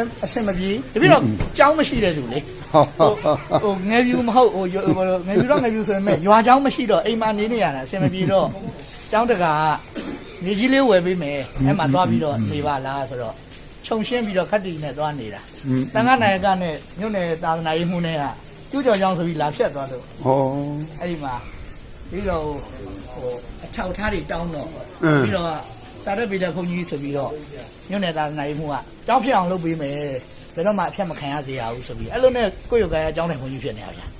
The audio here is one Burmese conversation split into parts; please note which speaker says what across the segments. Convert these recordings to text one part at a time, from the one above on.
Speaker 1: အဆင်မပြေတပြည့်တော့ကြောင်းမရှိတဲ့သူလေဟိုငယ်ပြူမဟုတ်ဟိုငယ်ပြူတော့ငယ်ပြူဆိုရင်မဲ့ရွာကြောင်းမရှိတော့အိမ်မှာနေနေရတာအဆင်မပြေတော့ကျောင်းတကာကနေကြီးလေးဝယ်ပေးမယ်အဲ့မှာသွားပြီးတော့နေပါလားဆိုတော့ခြုံရှင်းပြီးတော့ခက်တီနဲ့သွားနေတာတန်ခါနိုင်ကနဲ့မြို့နယ်သာသနာရေးမှုနဲ့ကကျူးကျော်ကျောင်းဆိုပြီးလာဖြတ်သွားတော့အဲ့ဒီမှာပြီးတော့ဟိုအချောက်ထားတွေတောင်းတော့ပြီးတော့စာရက်ပေတဲ့ခွန်ကြီးဆိုပြီးတော့မြို့နယ်သာသနာရေးမှုကကျောင်းဖြစ်အောင်လုပ်ပေးမယ်ဘယ်တော့မှအဖြတ်မခံရစေရဘူးဆိုပြီးအဲ့လိုနဲ့ကိုယ့်ရုပ်ကရအကြောင်းနဲ့ခွန်ကြီးဖြစ်နေတာဗျာ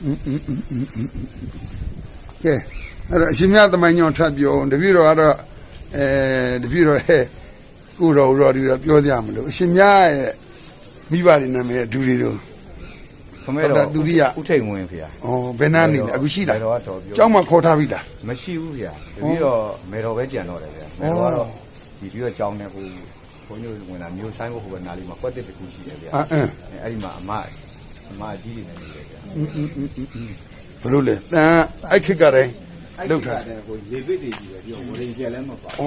Speaker 2: ကဲအဲ့တော့အရှင်မြတ်သမိုင်းကြောင့်ထပ်ပြောတပည့်တော်ကတော့တပည့်တော်ရဲ့ကိုတော်ဒီတော့ပြောကြမလို့အရှင်မြတ်ရဲ့မိဘတွေနာမည်ဒူတွေတို့
Speaker 3: ခမဲတော်ဒုတိယဥထိန်ဝင်ဖေ။
Speaker 2: ဘယ်နာနေလဲအခုရှိလားကျောင်းမှာခေါ်ထားပြီလား
Speaker 3: မရှိဘူးဖေ။တပည့်တော်မေတော်ပဲကြံတော့တယ်ဖေ။မေတော်ကတော့ဒီပြီးတော့ကျောင်းနဲ့ဟိုဘုန်းကြီးဝင်လာမျိုးဆိုင်ဖို့ဟိုကနားလေးမှာကွက်တစ်တစ်ခုရှိတယ်ဖေ။အဲ့ဒီမှာအမအကြီးတွေနဲ့နေတယ်ဖေ
Speaker 2: ။ဘလို့လဲတန်အဲ့ခက်ကတည်းလောက်ထား
Speaker 3: တယ်ဟိုလေဗစ်တွေကြီးပဲပြောဝရင်ကျက်လည်းမပါ
Speaker 2: ။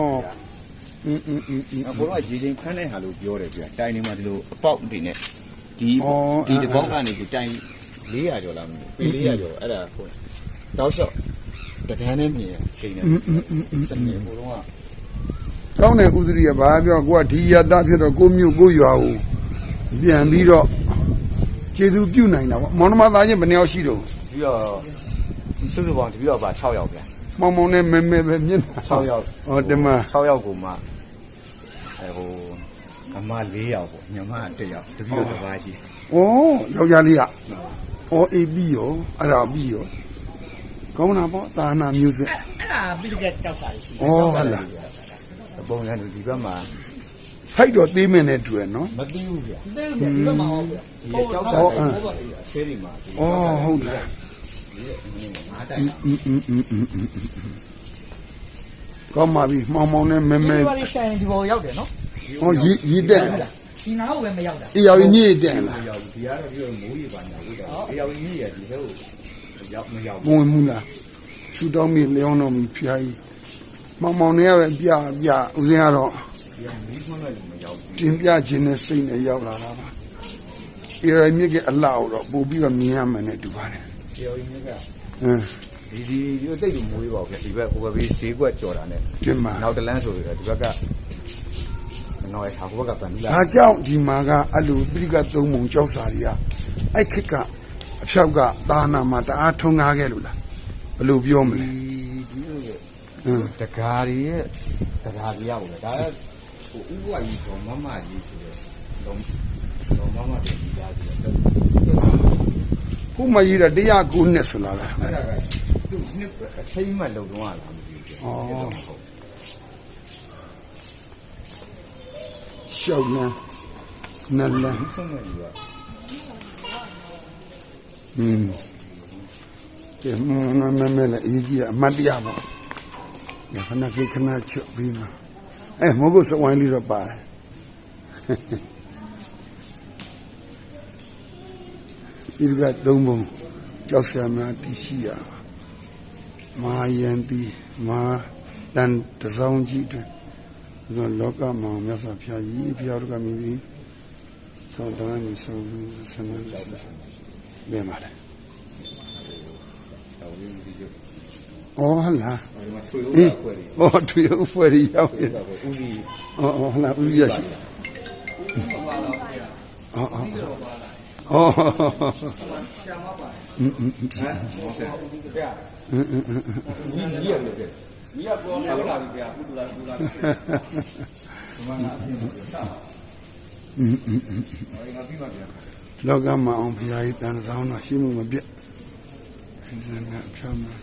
Speaker 3: ဘိုးကရေချင်းဖမ်းတဲ့ဟာလို့ပြောတယ်ဖေ။တိုင်နေမှာဒီလိုအပေါက်တွေနဲ့ဒီတပေါက်ကနေဒီတိုင်400ကျော်လားမသိဘူးပေ400ကျော်အဲ့ဒါဟိုတောက်လျှောက်တကန်းနဲ့မြင်ချိန်နေစနေဘိုးက
Speaker 2: ကောင်းတယ်ဥဒရိယဘာပြောကိုကဒီရတဖြစ်တော့ကိုမြို့ကိုရွာကိုပြန်ပြီးတော့ကျေသူပြုတ်နိုင်တာပေါ့မောင်နှမသားချင်းဘယ်နှယောက်ရှိတော့
Speaker 3: ပြီးတော့စုစုပေါင်းတပြီးတော့ပါ6ယောက်ဗျာ
Speaker 2: မောင်မောင်နဲ့မဲမဲပဲမြင်
Speaker 3: 6ယောက်
Speaker 2: ဒီမှာ
Speaker 3: 6ယောက်ကိုမှဟိုအမ4ယောက်ပေါ့ညီမ1ယောက်တပြီးတော့တစ်ပါးရှိ
Speaker 2: တယ်။ယောက်ျားလေးကအေးပြီးရောအဲ့ဒါပြီးရောကောင်းတာပေါ့သာနာမျိုးစစ်
Speaker 1: အဲ့ဒါပြီးတော့ကြောက်စာရှိ
Speaker 2: ဟုတ်လား
Speaker 3: ပုံစံဒီဘက်မှာ
Speaker 2: ဖိုက်တော့သေးမင်းနဲ့တွေ့နော်
Speaker 3: မသိဘူးဗျာ
Speaker 1: သိဘူးဗျာဒီဘက်မှာဟုတ်ဗျာ
Speaker 3: ဒီကြောက်စာဆေးဒီမှာ
Speaker 2: ဟုတ်လားကောင်းပါပြီမောင်မောင်နဲ့မဲမဲ
Speaker 1: ဒီဘာလေးဆိုင်ဒီဘောရောက်တယ်နော်
Speaker 2: ရီတက်
Speaker 1: ဒီနာဟုတ်ပဲမရောက်တာ
Speaker 2: အေးရောက်ညည့်တက်လား
Speaker 3: ရောက်ဒီကတော့ပြီးတော့မိုးရေပါညာဟုတ်တယ်အေးရောက်ညည့်ရဒီလိုရောက်မရောက်
Speaker 2: မဝင်ဘူးလားရှူတောင်းပြီးလျောင်းတော့ပြီးဖျားကြီးမောင်မောင်နဲ့ပဲပြဦးစင်းကတော့
Speaker 3: မီးခွန်းလည်းမရောက်ဘူး
Speaker 2: တင်ပြခြင်းနဲ့စိတ်နဲ့ရောက်လာတာပါအေးရမြစ်ကအလှတော့ပို့ပြီးတော့မြင်ရမယ်နဲ့တူပါတယ်
Speaker 3: အေးရောက်မြစ်ကဒီတိတ်လို့မိုးရေပါဗျဒီဘက်ဟိုဘက်ဘေးဈေးကွက်ကြော်တာနဲ့နောက်တလန်းဆိုပြီးဒီဘက်ကနော်ဟာဘက်ကပန်လာ
Speaker 2: ဒါကြောင့်ဒီမှာကအလူပြိကသုံးပုံကြောက်စာတွေကအဲ့ခက်ကအဖြောက်ကသာနာမှာတအားထုံကားခဲ့လို့လားဘယ်လိုပြောမလဲ
Speaker 3: တကားရဲ့တကားကြီးရပါဘူးဒါကဟိုဥပဝါကြီးတော့မမကြီးဆိုတော့မမကြီးကြားပြီးတော့
Speaker 2: ခုမကြီးတာ109နှစ်ဆိုလား
Speaker 3: အဲ့ဒါကသူနှစ်အထိမ့်မှလုံတော့လားမသိဘူး
Speaker 2: ရှောက်လန်းနလန်းကဲမဲလည်းအကြီးအမတ်တရားပေါ့ညခဏခဏချက်ပြီးမှာမဟုတ်ဘူးစဝိုင်းလေးတော့ပါတယ်ဒီကသုံးပုံကြောက်ဆရာများတရှိရမာယန်တီမာတန်တစောင်းကြီးတွင်လောကမှာမြတ်စွာဘုရားကြီးဘုရားတို့ကမြည်ပြီးဆောင်းတန်းကြီးဆောင်းဆန္ဒဘယ်မှာလဲဟုတ်လားထွေဥဖွဲ့ရရောက်ပြီဟုတ်လားဦးရရှိ
Speaker 3: မီးပေါ်လာပြီဗျာကုတူလာ
Speaker 2: လောကမှာအောင်ဘုရားကြီးတန်ဆောင်တော့ရှိမှုမပြတ်ဒီကဖြောင်းမှာ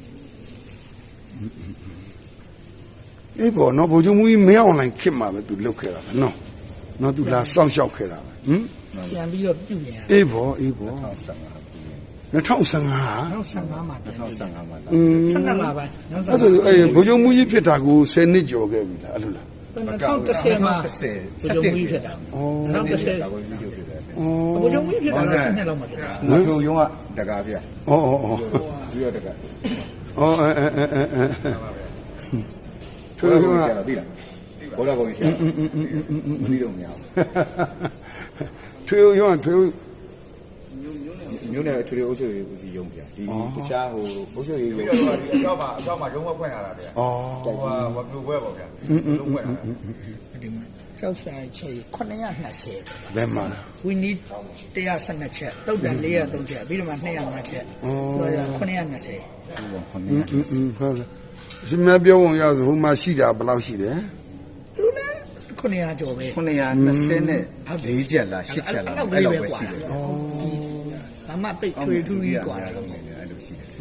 Speaker 2: အေးဘောနော်ဘုံကျမူကြီးမင်းအောင်လိုင်းခစ်မှာပဲသူလုတ်ခဲ့တာပဲနော်သူလာစောင့်ရှောက်ခဲ့တာပဲ
Speaker 1: ပြန်ပြီးတော့ပြုတ်ပြန်
Speaker 2: အေးဘော2015
Speaker 1: မှာ
Speaker 3: 2015မှာ
Speaker 1: 12လပိုင်း
Speaker 2: အဲ့ဆိုဘုံကျမူကြီးဖြစ်တာကို10နှစ်ကျော်ခဲ့ပြီလားအဲ့လိုလား
Speaker 1: 2010မှာဘုံကျမူကြီးဖြစ်တာ2010
Speaker 3: ဒါကိုဗီဒီယိုဖြစ်တယ်
Speaker 1: ဘုံကျမူကြီးဖြစ်တာ12လောက်မှာဖြစ်တာ
Speaker 3: ငါတို့ရုံးကတကားဗျပြီးတော့တကား
Speaker 2: ထွေးရုံးက
Speaker 3: သိလားဘောတော်ကောင်ရှာမပြီးတော့မရဘူး
Speaker 2: ထွေရုံးထွေရုံး
Speaker 3: မျိုးနဲ့ထွေအုပ်ချုပ်ရေးဦးစီးရုံးပြဒီတခြားဟိုအုပ်ချုပ်ရေး
Speaker 4: ပြီးတော့ဒီအကြောက်မှာရုံးဝက်ဖွင့်လာတာဗျာ
Speaker 2: อ๋อ
Speaker 4: ဟိုဝက်ပြိုပွဲပေါ့ဗျာရုံးဖွင့်လာတာ
Speaker 1: ဒီမှာကျောက်ဆိုင်ချေ920
Speaker 2: ဘယ်မှာလဲ
Speaker 1: we need 112ချက်တုတ်တန်403ချက်ပြီးတော့မှ205ချက်ဆိုတော့920
Speaker 3: ခုပေါ့ခုနက
Speaker 2: ဟုတ်တယ်ရှင်မပြောဝင်ရောက်ဆိုဟိုမှာရှိတာဘယ်လောက်ရှိတယ်
Speaker 1: သူလည်း900ကျော်ပဲ
Speaker 3: 924ချက်လား8ချက်လားအဲ့လိုပဲရှိတယ်
Speaker 1: ဘာမှတိတ်ထွေထူးကြီးกว่าတာတော့မဟုတ်ဘူး
Speaker 3: အဲ့လိုရှိတယ်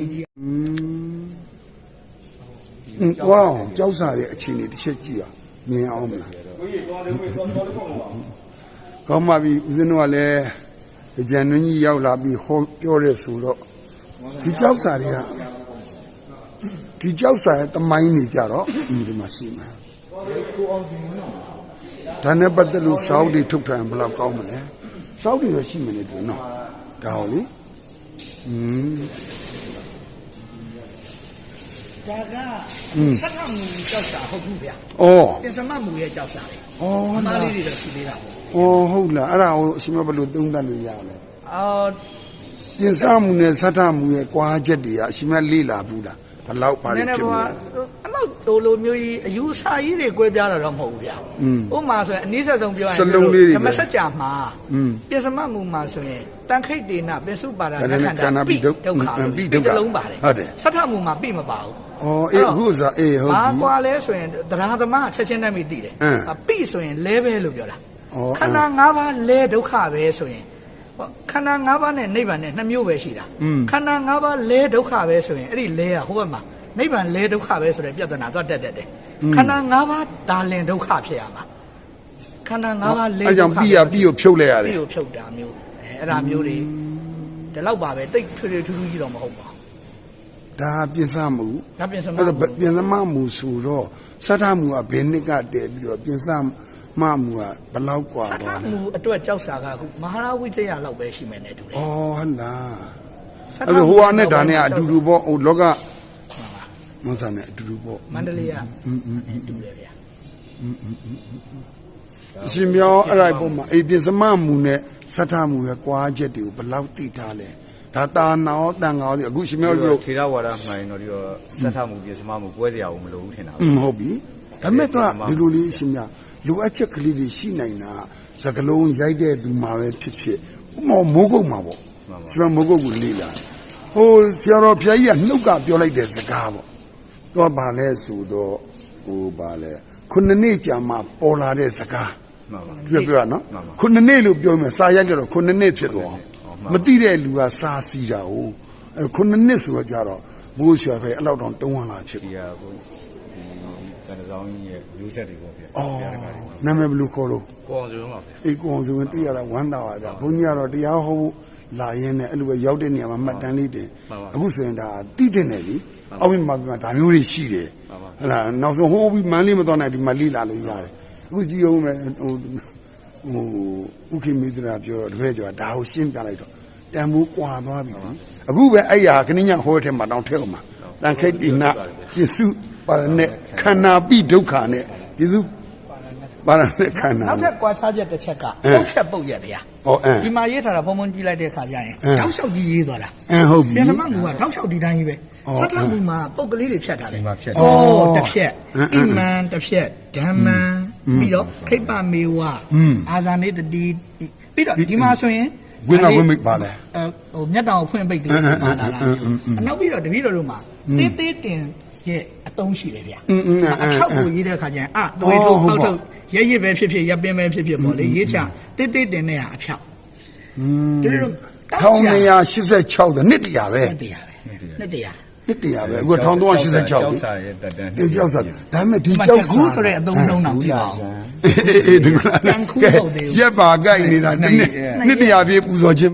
Speaker 2: ဝေါကြောက်စာရဲ့အခြေအနေတစ်ချက်ကြည့်အောင်မြင်အောင်မလားကောင်းပါပြီဦးဇင်းတို့ကလည်းကြံနှင်းကြီးရောက်လာပြီးဟောပြောရဲဆိုတော့ဒီကြောက်စာတွေကဒီကြောက်စာရဲ့တမိုင်းနေကြတော့ဒီမှာရှိမှာဒါနဲ့ပတ်သက်လို့စောက်တွေထုတ်ထားရင်ဘယ်လောက်ကောင်းမလဲစောက်တွေတော့ရှိမနေဘူးနော်ဒါဟုတ်လေ
Speaker 1: ဒါကဆက်ထမှုကြောက်တာဟုတ်ဘူးဗျာ
Speaker 2: ဩ
Speaker 1: ပြင်စမမှုရဲ့ကြောက်စာလေ
Speaker 2: ဩ
Speaker 1: အမားလေးတွေတော့ရှိသေးတာပေါ့
Speaker 2: ဩဟုတ်လားအဲ့ဒါကိုအရှင်မဘယ်လိုသုံးသပ်လို့ရလဲ
Speaker 1: အော်
Speaker 2: ပြင်စမှုနဲ့စထမှုရဲ့ကွာချက်တွေကအရှင်မလေးလာဘူးလားဘယ်လောက်ပါလိမ့်ဖြစ်မလဲ
Speaker 1: အဲ့လောက်ဟိုလိုမျိုးကြီးအယူအဆကြီးတွေကွဲပြားတာတော့မဟုတ်ဘူးဗျာဥပမာဆိုရင်အနည်းဆက်ဆုံးပြောရရင်ဓမ္မစကြာမှာပြင်စမမှုမှာဆိုရင်တန်ခိတ်တေနပစ္စုပါဒနာခန္ဓာပိဒုက္ခပြီးတလုံးပါတယ်ဆက်ထမှုမှာပိမပါဘူး
Speaker 2: ဩအေးအခုစားအေးဟုတ်
Speaker 1: ဘာ
Speaker 2: ပြီ
Speaker 1: ကွာလဲဆိုရင်တရားသမားချက်ချင်းတည်းမိသိတယ်ပိဆိုရင်လဲပဲလို့ပြောတာခန္ဓာ၅ပါးလဲဒုက္ခပဲဆိုရင်ခန္ဓာ၅ပါးနဲ့နိဗ္ဗာန်နဲ့2မျိုးပဲရှိတာခန္ဓာ၅ပါးလဲဒုက္ခပဲဆိုရင်အဲ့ဒီလဲကဟိုဘက်မှာနိဗ္ဗာန်လဲဒုက္ခပဲဆိုတဲ့ပြဿနာသွားတက်တယ်ခန္ဓာ၅ပါးဒါလင်ဒုက္ခဖြစ်ရမှာခန္ဓာ၅ပါးလဲဒုက္ခ
Speaker 2: အဲ့ကြောင့်ပြီးကိုဖြုတ်လိုက်ရတယ်
Speaker 1: ပြီးကိုဖြုတ်တာမျိုးအဲ့ဒါမျိုးတွေဒီလောက်ပါပဲတိတ်ထွေထွေထူးထူးကြီးတော့မဟုတ်ပါဘူး
Speaker 2: ဒါပြင်စမှု
Speaker 1: ဒါပြင်စမ
Speaker 2: အဲ့တော့ပြင်စမှုဆိုတော့စထမှုကဘယ်နှစ်ကတည်းပြီးတော့ပြင်စမှုကဘယ်လောက်กว่า
Speaker 1: စထ
Speaker 2: ပါလဲ
Speaker 1: မှုအတွက်ကြောက်စာကအခုမဟာရဝိတ္တရလောက်ပဲရှိမယ်နဲ့တူတယ်
Speaker 2: ဩဟုတ်လားအဲ့တော့ဟိုဟာနဲ့ဒါနဲ့အတူတူပေါ့ဟိုလောကမဟုတ်တာနဲ့အတူတူပေါ့
Speaker 1: မန္တလေးကတူတယ်ဗျာ
Speaker 2: အရှင်ပြောအဲ့ဒါပုံမှာအေးပြင်စမှုနဲ့စထမှုရဲ့ကွာချက်တွေကိုဘယ်လောက်သိထားလဲဒါတာနာရောတန်ငါရောအခုရှင်ပြောလို့
Speaker 3: ထေရဝါဒမှန်တော့ဒီတော့စက်ထမှုပြစမမှုပွဲစရာကိုမလိုဘူးထင်တာ
Speaker 2: ဟုတ်ပြီဒါမဲ့တော့ဒီလိုလေးအရှင်များလိုအပ်ချက်ကလေးတွေရှိနိုင်တာစကလုံးရိုက်တဲ့သူမှာပဲဖြစ်ဖြစ်ဥမောမိုးကုတ်မှာပေါ့ဆရာမိုးကုတ်ကိုလေးလာဟိုဆရာတော်ဘုရားကြီးကနှုတ်ကပြောလိုက်တဲ့စကားပေါ့တော့ဗာလဲဆိုတော့ဟိုဗာလဲခုနှစ်နှစ်ကြာမှပေါ်လာတဲ့စကား
Speaker 3: မှန်ပါ
Speaker 2: ပြောနော်ခုနှစ်နှစ်လို့ပြောမယ်စာရိုက်ကြတော့ခုနှစ်နှစ်ဖြစ်သွားမသိတဲ့လူကစာစီတာဟုတ်အဲခုနှစ်နှစ်ဆိုတော့ကြတော့မိုးဆရာပဲအဲ့လောက်တော့တုံးဝင်လာဖြစ်
Speaker 3: ဒီဟာကိုဒီတန်ဆောင်ကြီးရဲ့မျိုးဆက်တွေပေါ့ဗျာ
Speaker 2: အော်နာမည်ဘယ်လိုခေါ်လို့
Speaker 4: ကိုအောင်စုံပါဗျာ
Speaker 2: အေးကိုအောင်ဆိုရင်သိရတာဝမ်းသာပါကြဘုန်းကြီးကတော့တရားဟောဖို့လာရင်းနဲ့အဲ့လိုပဲရောက်တဲ့နေရာမှာမှတ်တမ်းလေးတင်အခုဆိုရင်ဒါတိတဲ့နေလေအောက်မှာဒါမျိုးတွေရှိတယ်ဟလာနောက်ဆုံးဟိုးပြီးမန်းလေးမတော်နိုင်ဒီမှာလိလာလို့ရတယ်အခုကြည့်အောင်မယ်ဟိုဥက္ကိမိသရာပြောတော့တပည့်ကျော်ဒါကိုရှင်းပြလိုက်တော့တန်ဖိုးကွာသွားပြီအခုပဲအဲ့ဟာခဏညဟောထဲမှာတောင်းထဲအောင်မှာတန်ခိတ်တိနာပြစုပါရနဲ့ခန္ဓာပိဒုက္ခနဲ့ပြစုပါရနဲ့ခန္ဓာ
Speaker 1: နောက်ထပ်ကွာခြားချက်တစ်ချက်ကပုတ်ချက်ပုတ်ရက်ဗျာ
Speaker 2: ဟော
Speaker 1: ဒီမှာရေးထားတာဘုံဘုံကြည့်လိုက်တဲ့အခါကျရင်တောက်လျှောက်ကြီးရေးသွားတာ
Speaker 2: ဟုတ်ပြီ
Speaker 1: ပြင်စမမှုကတောက်လျှောက်ဒီတိုင်းကြီးပဲစထမှုမှာပုတ်ကလေးတွေဖြတ်ထားတယ်
Speaker 3: ဒီမှာဖြတ်
Speaker 1: ဩတစ်ဖြက်ဣမံတစ်ဖြက်ဓမ္မံပြီးတော့ခိပ္ပမေဝအာဇာနေတတိပြီးတော့ဒီမှာဆိုရင်
Speaker 2: ဝိနာဝိမိတ်ပါလဲ
Speaker 1: ဟိုမျက်တောင်ဖွင့်ပိတ်ကလေးပါလာတာအနောက်ပြီးတော့တပည့်တော်တို့မှာတေးသေးတင်ရဲ့အတုံးရှိတယ်ဗျာအထောက်ကိုရေးတဲ့အခါကျရင်သွေးထုတ်ဟောက်ထုတ်ရဲရစ်ပဲဖြစ်ဖြစ်ရပ်ပင်းပဲဖြစ်ဖြစ်ပေါ့လေရေးချတေးသေးတင်တဲ့အဖြောက်တပည့်တော်
Speaker 2: 1986တဲ့နှစ်တရာပဲ
Speaker 1: နှစ်တရားပဲနှစ်တရား
Speaker 2: နှစ်တရာပဲအခု1386
Speaker 3: ကျောက်စာရဲ့တက်တန်း
Speaker 2: အေးကြောက်စားဒါပေမဲ့ဒီကြောက်
Speaker 1: ခုဆိုတဲ့အသုံးလုံးတော့ကြည့်ပါဦး
Speaker 2: အေးဒီကရက်ပါကြိုက်နေတာနှစ်တရာပြည့်ပူဇော်ခြင်း